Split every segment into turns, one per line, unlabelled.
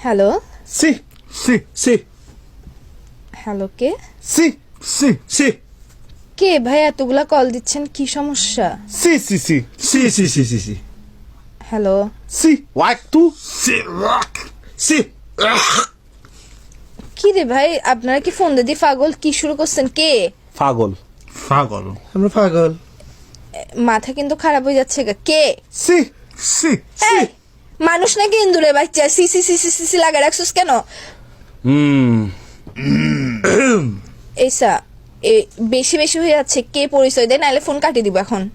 Hello
সি সি সি
হ্যালো, কে
সি সি সি
কে ভাই? এতগুলা কল দিচ্ছেন, কি সমস্যা?
সি সি সি সি সি সি সি সি
হ্যালো,
সি ওয়াক টু সি ওয়াক সি
কি রে ভাই, আপনারা কি ফোন দিয়ে পাগল? কি শুরু করছেন? কে?
পাগল
পাগল
আমরা পাগল
মাথা কিন্তু খারাপ হয়ে যাচ্ছে গা। কে?
সি সি সি
এই, মানুষ নাকি ইন্দুরে বাচ্চা? সি সি সি সি সি সি লাগা রাখছিস কেন? এইসা বেশি বেশি হয়ে যাচ্ছে। কে পরিচয় দেয়, নাহলে ফোন কাটিয়ে দিব এখন।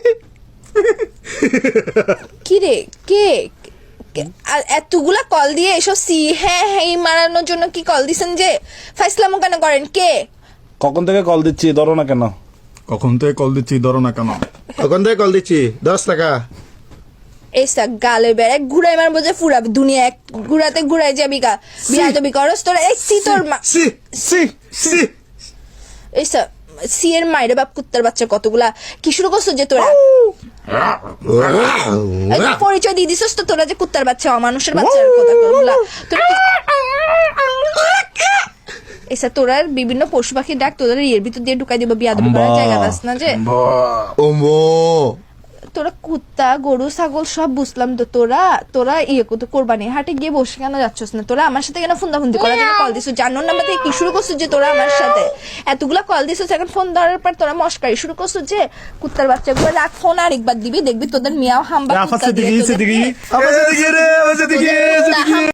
কি রে, কে? আর এতগুলা কল দিয়ে এসব সি হ্যাঁ হ্যাঁ মারানোর জন্য কি কল দিছেন? যে ফাইসলামো কেন করেন? কে?
কখন থেকে কল দিচ্ছি, ধরো না কেন?
কখন থেকে কল দিচ্ছি, ধরো না কেন?
কখন থেকে কল দিচ্ছি? 10 টাকা।
এইসা গালে বেড়ে ঘুরাই মারবো যে ফুরা দুনিয়া এক ঘুরাতে ঘুরাই যাবি গা। বিয়া যাবি করস তোরা? এই সি তোর মা।
সি সি সি
এইসা সি এর মাইরে বাপ কুত্তার বাচ্চা কতগুলা। কি শুরু করছো যে তোরা? এই যে পরিচয় দিয়ে দিছস তো তোরা যে কুত্তার বাচ্চা, অমানুষের বাচ্চার কথা বললা তোরা। এসা তোরা বিভিন্ন পশু পাখির ডাক তোদের এর ভিতর দিয়ে ঢুকাই দিব। বিয়া দেবো করার জায়গা বাস না যে।
ওমো
তোরা কুত্তা গরু ছাগল সব বুঝলাম তো, তোরা ইয়ে করতো কোরবানি হাটে গিয়ে বসে কেন যাচ্ছস না? তোরা আমার সাথে কেন ফোনদাফুন্দি করার জন্য কল দিছিস? জানোর নাম্বার থেকে কি শুরু করছিস যে তোরা আমার সাথে এতগুলা কল দিছিস? এখন ফোন ধরার পর তোরা মস্কারি শুরু করছিস যে কুত্তার বাচ্চাগুলো। রাখ ফোন, আরেকবার দিবি দেখবি তোদের মিয়াও হাম্বা কুত্তা দিয়ে তোদের-
আমার সাথে কি রে, আমার সাথে কি